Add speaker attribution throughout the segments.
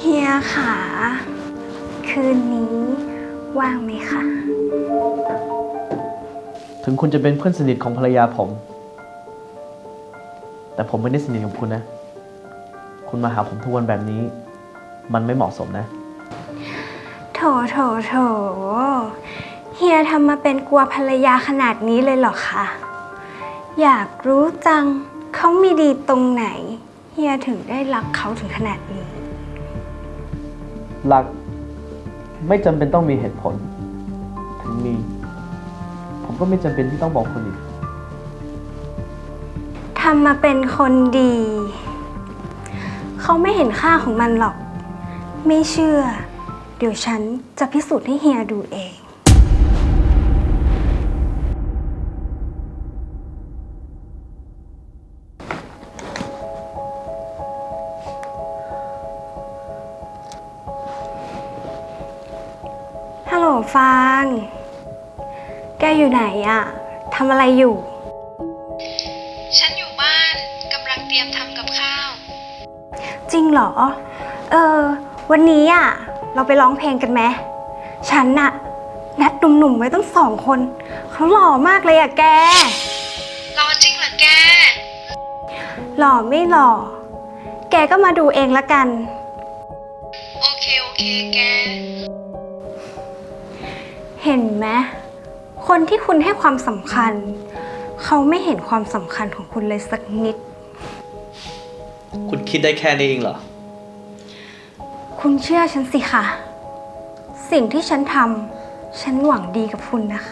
Speaker 1: ฮียค่ะคืนนี้ว่างไหมคะ
Speaker 2: ถึงคุณจะเป็นเพื่อนสนิทของภรรยาผม แต่ผมไม่ได้สนิทกับคุณนะ คุณมาหาผมทุกวันแบบนี้ มันไม่เหมาะสมนะ
Speaker 1: โถเฮียทำมาเป็นกลัวภรรยาขนาดนี้เลยเหรอคะอยากรู้จังเขามีดีตรงไหนเฮียถึงได้รักเขาถึงขนาดนี้
Speaker 2: รักไม่จำเป็นต้องมีเหตุผล ถึงมี ผมก็ไม่จำเป็นที่ต้องบอกคุณอีก
Speaker 1: ทำมาเป็นคนดี เขาไม่เห็นค่าของมันหรอก ไม่เชื่อ เดี๋ยวฉันจะพิสูจน์ให้เฮียดูเอง ฮัลโหลฟาง แกอยู่ไหนอะทำอะไรอยู่
Speaker 3: ฉันอยู่บ้านกำลังเตรียมทำกับข้าว
Speaker 1: จริงเหรอ วันนี้อะเราไปร้องเพลงกันไหมฉันน่ะนัดหนุ่มๆไว้ตั้ง2 คน เขาหล่อมากเลยอะแก
Speaker 3: รอจริงเหรอแก
Speaker 1: หล่อไม่หล่อ แกก็มาดูเองละกัน
Speaker 3: โอเคแก
Speaker 1: เห็นไหมคนที่คุณให้ความสำคัญ เขาไม่เห็นความสำคัญของคุณเลยสักนิด
Speaker 2: คุณคิดได้แค่นี้เองเหรอ
Speaker 1: คุณเชื่อฉันสิคะสิ่งที่ฉันทำฉันหวังดีกับคุณนะคะ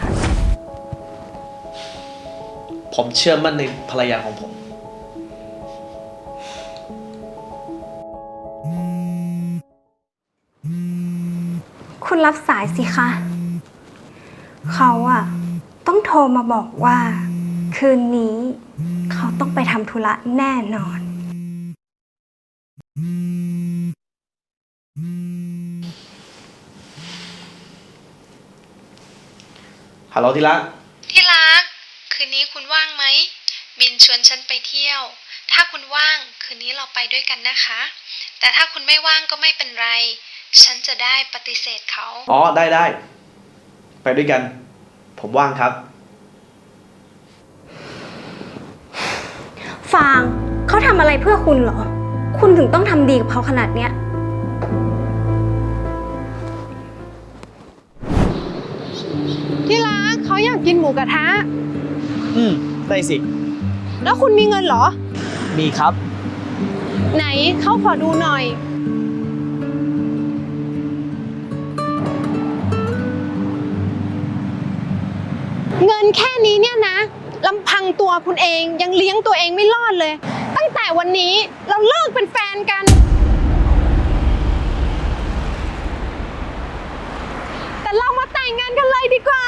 Speaker 2: ผมเชื่อมั่นในภรรยาของผม
Speaker 1: คุณรับสายสิคะ เขาอะต้องโทรมาบอกว่า คืนนี้เขาต้องไปทำธุระแน่นอน
Speaker 2: ฮัลโหลที่รัก
Speaker 3: ที่รัก คืนนี้คุณว่างไหมบินชวนฉันไปเที่ยว ถ้าคุณว่างคืนนี้เราไปด้วยกันนะคะ แต่ถ้าคุณไม่ว่างก็ไม่เป็นไร ฉันจะได้ปฏิเสธเขา
Speaker 2: อ๋อ ได้ ไปด้วยกัน ผมว่างครับ
Speaker 1: ฟางเขาทำอะไรเพื่อคุณเหรอ คุณถึงต้องทำดีกับเขาขนาดเนี้ย
Speaker 4: ที่รักเขาอยากกินหมูกระทะ
Speaker 2: ได้สิ
Speaker 4: แล้วคุณมีเงินเหรอ
Speaker 2: มีครับ
Speaker 4: ไหนเขาขอดูหน่อย เงินแค่นี้เนี่ยนะลำพังตัวคุณเองยังเลี้ยงตัวเองไม่รอดเลย ตั้งแต่วันนี้เราเลิกเป็นแฟนกัน แต่เรามาแต่งงานกันเลยดีกว่า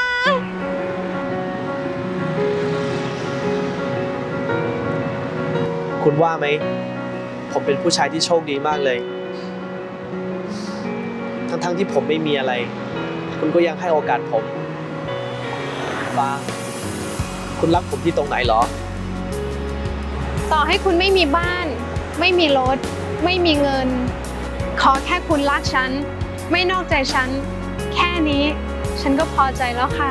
Speaker 2: คุณว่าไหม ผมเป็นผู้ชายที่โชคดีมากเลย ทั้งที่ผมไม่มีอะไร คุณก็ยังให้โอกาสผมฟ้าคุณรักผมที่ตรงไหนเหรอ
Speaker 4: ต่อให้คุณไม่มีบ้าน ไม่มีรถ ไม่มีเงิน ขอแค่คุณรักฉัน ไม่นอกใจฉัน แค่นี้ฉันก็พอใจแล้วค่ะ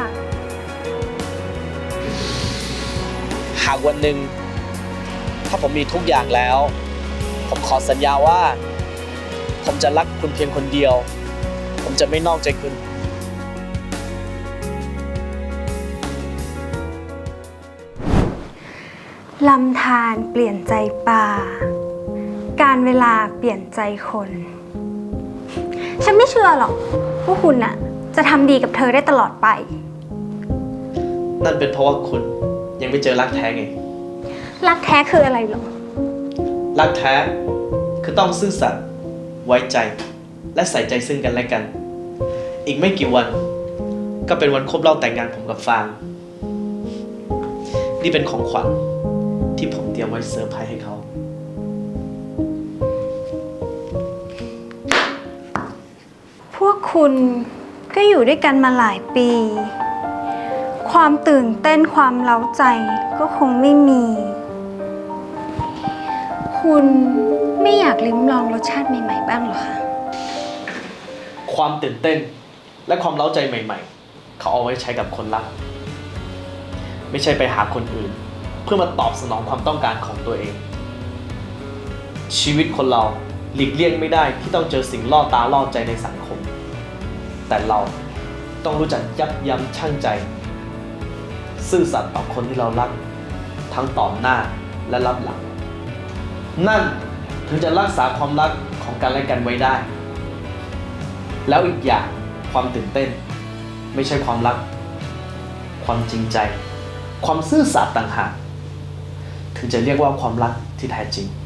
Speaker 2: หากวันหนึ่งถ้าผมมีทุกอย่างแล้ว ผมขอสัญญาว่า ผมจะรักคุณเพียงคนเดียว ผมจะไม่นอกใจคุณ
Speaker 1: ลำธารเปลี่ยนใจปลา การเวลาเปลี่ยนใจคน ฉันไม่เชื่อหรอกว่าคุณน่ะจะทำดีกับเธอได้ตลอดไป
Speaker 2: นั่นเป็นเพราะว่าคุณยังไม่เจอรักแท้ไง
Speaker 1: รักแท้คืออะไรหรอ
Speaker 2: รักแท้คือต้องซื่อสัตย์ไว้ใจและใส่ใจซึ่งกันและกัน อีกไม่กี่วันก็เป็นวันครบรอบแต่งงานผมกับฟางนี่เป็นของขวัญที่ผมเตรียมไว้เซอร์ไพรส์ให้เขา
Speaker 1: พวกคุณก็อยู่ด้วยกันมาหลายปี ความตื่นเต้นความเร้าใจก็คงไม่มี คุณไม่อยากลิ้มลองรสชาติใหม่ๆบ้างเหรอคะ
Speaker 2: ความตื่นเต้นและความเร้าใจใหม่ๆเขาเอาไว้ใช้กับคนรักไม่ใช่ไปหาคนอื่นเพื่อมาตอบสนองความต้องการของตัวเองชีวิตคนเราหลีกเลี่ยงไม่ได้ที่ต้องเจอสิ่งล่อตาล่อใจในสังคมแต่เราต้องรู้จักยับยั้งชั่งใจซื่อสัตย์ต่อคนที่เรารักทั้งต่อหน้าและรับหลังนั่นถึงจะรักษาความรักของกันและกันไว้ได้แล้วอีกอย่างความตื่นเต้นไม่ใช่ความรักความจริงใจความซื่อสัตย์ต่างหากถึงจะเรียกว่าความรักที่แท้จริง